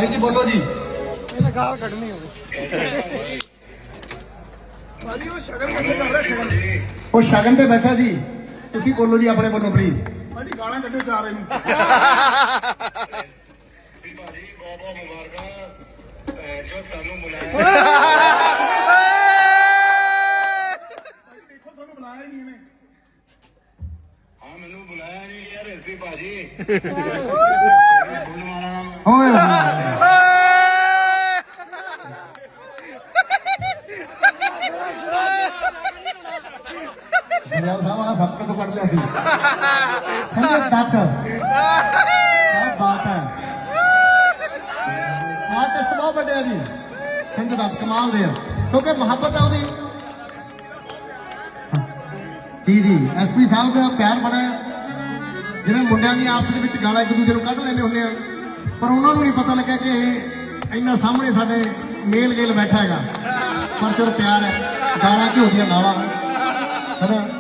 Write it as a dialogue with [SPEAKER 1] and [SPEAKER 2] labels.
[SPEAKER 1] ਭਾਈ ਜੀ ਬੋਲੋ ਜੀ।
[SPEAKER 2] ਇਹਨੇ ਗਾਲ ਕੱਢਣੀ ਹੋਵੇ ਭਾਜੀ ਉਹ ਸ਼ਗਨ ਕਰ ਰਿਹਾ
[SPEAKER 1] ਉਹ ਸ਼ਗਨ ਤੇ ਬੈਠਾ ਜੀ। ਤੁਸੀਂ ਬੋਲੋ ਜੀ ਆਪਣੇ ਵੱਲੋਂ ਪਲੀਜ਼।
[SPEAKER 2] ਭਾਜੀ ਗਾਲਾਂ ਕੱਢੋ ਚਾਰ ਇਹਨੂੰ
[SPEAKER 3] ਭਾਜੀ ਬਹੁਤ ਬਹੁਤ ਮੁਬਾਰਕਾਂ ਜੋ ਸਾਨੂੰ ਬੁਲਾਇਆ
[SPEAKER 2] ਦੇਖੋ ਤੁਹਾਨੂੰ ਬੁਲਾਇਆ ਹੀ ਨਹੀਂ ਇਹਨੇ
[SPEAKER 3] ਹਾਂ ਮੈਨੂੰ ਬੁਲਾਇਆ ਨਹੀਂ ਯਾਰ ਐਸਪੀ ਭਾਜੀ
[SPEAKER 1] ਓਏ ਯਾਰ ਸਾਵਾ ਸਭ ਤੋਂ ਕੱਢ ਲਿਆ ਸੀ ਸੰਜੇ ਦੱਤ। ਕੀ ਬਾਤ ਹੈ। ਆਰਟਿਸਟ ਬਹੁਤ ਵੱਡੇ ਆ ਜੀ ਸੰਜੇ ਦੱਤ ਕਮਾਲ ਦੇ ਆ ਕਿਉਂਕਿ ਮੁਹੱਬਤ ਆ ਉਹਦੀ। ਜੀ ਜੀ ਐਸਪੀ ਸਾਹਿਬ ਦਾ ਪਿਆਰ ਬੜਾ ਹੈ। ਜਿਵੇਂ ਮੁੰਡਿਆਂ ਦੀ ਆਪਸ ਦੇ ਵਿੱਚ ਗਾਲਾਂ ਇੱਕ ਦੂਜੇ ਨੂੰ ਕੱਢ ਲੈਂਦੇ ਹੁੰਦੇ ਆ ਪਰ ਉਹਨਾਂ ਨੂੰ ਨਹੀਂ ਪਤਾ ਲੱਗਾ ਕਿ ਇਹ ਇੰਨਾ ਸਾਹਮਣੇ ਸਾਡੇ ਮੇਲ ਗੇਲ ਬੈਠਾ ਹੈਗਾ ਪਰ ਚਲੋ ਪਿਆਰ ਹੈ। ਗਾਲਾਂ ਘਿਓ ਦੀਆਂ ਨਾਲਾਂ ਹੈ ਨਾ।